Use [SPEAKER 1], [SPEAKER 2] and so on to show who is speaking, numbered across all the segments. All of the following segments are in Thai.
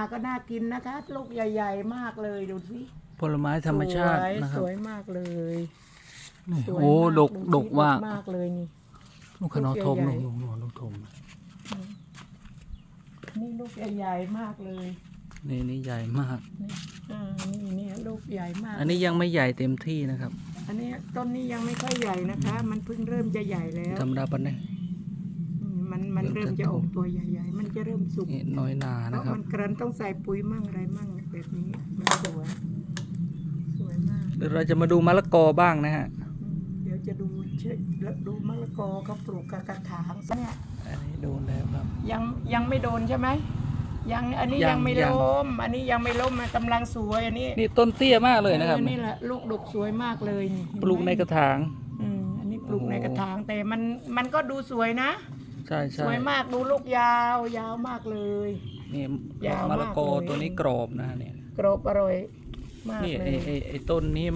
[SPEAKER 1] ก็น่ากินนะคะลูกใหญ่ๆมากเลยดูสิ
[SPEAKER 2] ผลไม้ธรรมชาตินะครับ
[SPEAKER 1] สวยมากเลยสวย
[SPEAKER 2] โอ้
[SPEAKER 1] มาก
[SPEAKER 2] ดกว่าม
[SPEAKER 1] ากเลยนี่
[SPEAKER 2] ลูกขนมทม
[SPEAKER 1] ลูกใหญ่
[SPEAKER 2] ลูกทม
[SPEAKER 1] นี่ลูกใหญ่ๆมากเลย
[SPEAKER 2] นี่ใหญ่มาก
[SPEAKER 1] นี่ลูกใหญ่มาก
[SPEAKER 2] อันนี้ยังไม่ใหญ่เต็มที่นะครับ
[SPEAKER 1] อันนี้ต้นนี้ยังไม่ค่อยใหญ่นะคะ มันเพิ่งเริ่มจะใหญ่แล้ว
[SPEAKER 2] ธรรมดาปันเนี่ย
[SPEAKER 1] มันเริ่มจะออกตัวใหญ่ๆมันจะเริ่มสุก
[SPEAKER 2] นี่น้อยนา
[SPEAKER 1] เพ
[SPEAKER 2] นะ
[SPEAKER 1] ราะ
[SPEAKER 2] ครับ
[SPEAKER 1] มันกรันต้องใส่ปุ๋ยมั่งอะไรมั่งแบบนี้มันสวยมาก
[SPEAKER 2] เดี๋ยวเราจะมาดูมะละกอบ้างนะฮะ
[SPEAKER 1] เดี๋ยวจะดูมะละกอเขาปลูกกับกระถางเนี่ย
[SPEAKER 2] อันนี้โดนแล้วครับ
[SPEAKER 1] ยังไม่โดนใช่ไหมอันนี้
[SPEAKER 2] ยั
[SPEAKER 1] ยัง งไม่
[SPEAKER 2] ยัง
[SPEAKER 1] ล้มอันนี้ยังไม่ล้มมันกำลังสวยอันนี้
[SPEAKER 2] นี่ต้นเตี้ยมากเลยนะครับ
[SPEAKER 1] นี่แหละลูกดกสวยมากเลยนี่
[SPEAKER 2] ปลูกในกระถาง
[SPEAKER 1] อันนี้ปลูก
[SPEAKER 2] โอ้โห
[SPEAKER 1] ในกระถางแต่มันก็ดูสวยนะ
[SPEAKER 2] ใช่
[SPEAKER 1] สวยมากดูลูกยาวมากเลย
[SPEAKER 2] นี่
[SPEAKER 1] ยาวมาก
[SPEAKER 2] มะละกอ
[SPEAKER 1] เลย
[SPEAKER 2] ตัวนี้กรอบนะฮะเนี่ย
[SPEAKER 1] กรอบอร่อยมาก
[SPEAKER 2] นี่
[SPEAKER 1] เลย
[SPEAKER 2] ไอ้ต้นนี้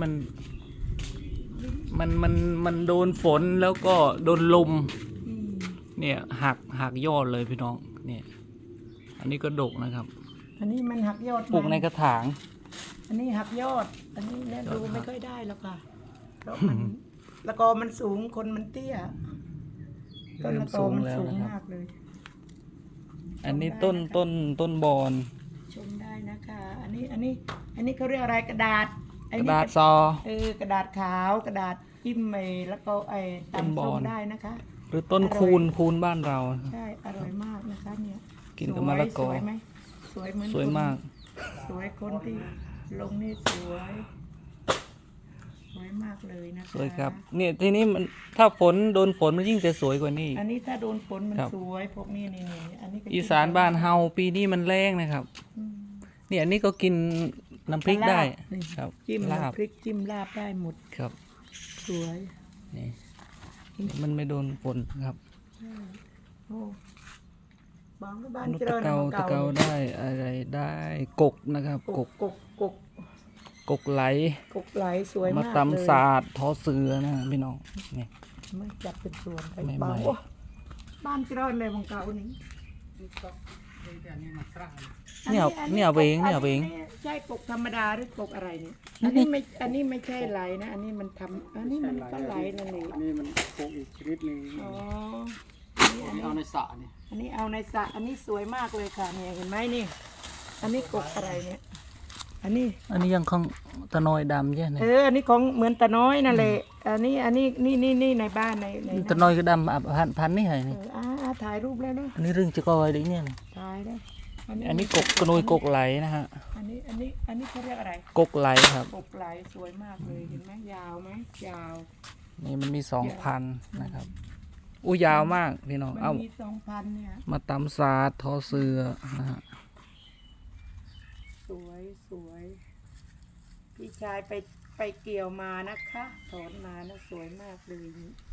[SPEAKER 2] มันโดนฝนแล้วก็โดนลม
[SPEAKER 1] อืม
[SPEAKER 2] เนี่ยหักยอดเลยพี่น้องเนี่ยอันนี้ก็ดกนะครับ
[SPEAKER 1] อันนี้มันหักยอด
[SPEAKER 2] ปลูกในกระถาง
[SPEAKER 1] อันนี้หักยอด อันนี้เนี่ย
[SPEAKER 2] ยอด
[SPEAKER 1] ดู
[SPEAKER 2] หัก
[SPEAKER 1] ไม่ค่อยได้แล้วค่ะเพราะมันละกอมันสูงคนมันเตี้ยต้นละกอมันสูงมากเลย
[SPEAKER 2] อันนี้ต้นบอน
[SPEAKER 1] ชมได้นะคะ อันนี้เขาเรียกอะไรกระดาษ
[SPEAKER 2] กระดาษซอ
[SPEAKER 1] กระดาษขาวกระดาษจิ้มแล้วก็
[SPEAKER 2] ต้นบ
[SPEAKER 1] ตำส้
[SPEAKER 2] อ
[SPEAKER 1] ม
[SPEAKER 2] ล
[SPEAKER 1] ได้นะคะ
[SPEAKER 2] หรือต้น
[SPEAKER 1] อร่อย
[SPEAKER 2] คูนบ้านเรา
[SPEAKER 1] ใช่อร่อยมากนะคะเนี่ย
[SPEAKER 2] กินกับมะละกอ
[SPEAKER 1] สวยไหมสวยเหมือน
[SPEAKER 2] สวยมาก
[SPEAKER 1] สวยคนที่ลงนี่สวยมากเลยนะคะ
[SPEAKER 2] สวยครับเนี่ยทีนี้มันถ้าฝนโดนฝนมันยิ่งจะสวยกว่านี้
[SPEAKER 1] อันนี้ถ้าโดนฝนมัน
[SPEAKER 2] ครับ
[SPEAKER 1] สวยพวกนี้นี่อันนี้ก็
[SPEAKER 2] อีสานบ้านเฮาปีนี้มันแรงนะครับ
[SPEAKER 1] อืม
[SPEAKER 2] เนี่ยอันนี้ก็กินน้ำพริกได้
[SPEAKER 1] ลาบนี่
[SPEAKER 2] ครับ
[SPEAKER 1] จิ้ม
[SPEAKER 2] ลาบ
[SPEAKER 1] น้ำพริกจิ้มลาบได้หมด
[SPEAKER 2] ครับ
[SPEAKER 1] สวย
[SPEAKER 2] นี่มันไม่โดนฝนครับ
[SPEAKER 1] โอ้บางบ้าน
[SPEAKER 2] นุ
[SPEAKER 1] เจ
[SPEAKER 2] ตะ
[SPEAKER 1] ริญ
[SPEAKER 2] เกา
[SPEAKER 1] ของ
[SPEAKER 2] ตะเกาได้อะไรได้กกนะครับกก
[SPEAKER 1] กก
[SPEAKER 2] ไหล
[SPEAKER 1] ไหลสวย
[SPEAKER 2] มาม
[SPEAKER 1] ากเลย
[SPEAKER 2] ตำศาสตร์ทอเสือนะพี่น้องนี่
[SPEAKER 1] ไม่จับเป็นส่วนไป
[SPEAKER 2] ไม่
[SPEAKER 1] บาง
[SPEAKER 2] ไม่
[SPEAKER 1] โอ้บ้านเจริญเลยของเก่านี่
[SPEAKER 2] เนี่ยเวงเนี่ยเวง
[SPEAKER 1] ใช่กกธรรมดาหรือกกอะไรเนี่ยอันนี้ไม่ใช่ไหลนะ อันนี้มันทำอันนี้มันก็ไหลนั่นเอง
[SPEAKER 3] นี่มันโคกอีกชนิดหนึ่ง
[SPEAKER 1] อ๋อ
[SPEAKER 3] นี่เอาในสระนี่
[SPEAKER 1] อันนี้เอาในสระอันนี้สวยมากเลยค่ะเนี่ยเห็นไหมนี่ อันนี้กกอะไรเนี่ย อันนี้
[SPEAKER 2] ยังของตะนอยดำใช่ไหม
[SPEAKER 1] อันนี้ของเหมือนตาน้อยนั่นแหละอันนี้นี่ในบ้านใน
[SPEAKER 2] ตะนอยก็ดำพันนี่ไงนี่
[SPEAKER 1] ถ่ายรูปแล้วเนาะ
[SPEAKER 2] อันนี้เรื่องจะกอยดิเนี่ย
[SPEAKER 1] ถ่ายได้
[SPEAKER 2] อันนี้กระนอยกกไหลนะฮะ
[SPEAKER 1] อันนี้เขาเรียกอะไร
[SPEAKER 2] กกไหลครับ
[SPEAKER 1] กกไหลสวยมากเลยเห็นไหมยาวไหมยาว
[SPEAKER 2] นี่มันมี2,000นะครับอู้ยาวมากพี่น้อง
[SPEAKER 1] มัน
[SPEAKER 2] เอา
[SPEAKER 1] มี2,000เนี่ย
[SPEAKER 2] มาตำศาสตร์ทอเสือนะฮะ
[SPEAKER 1] สวยพี่ชายไปเกี่ยวมานะคะถอนมานะสวยมากเลย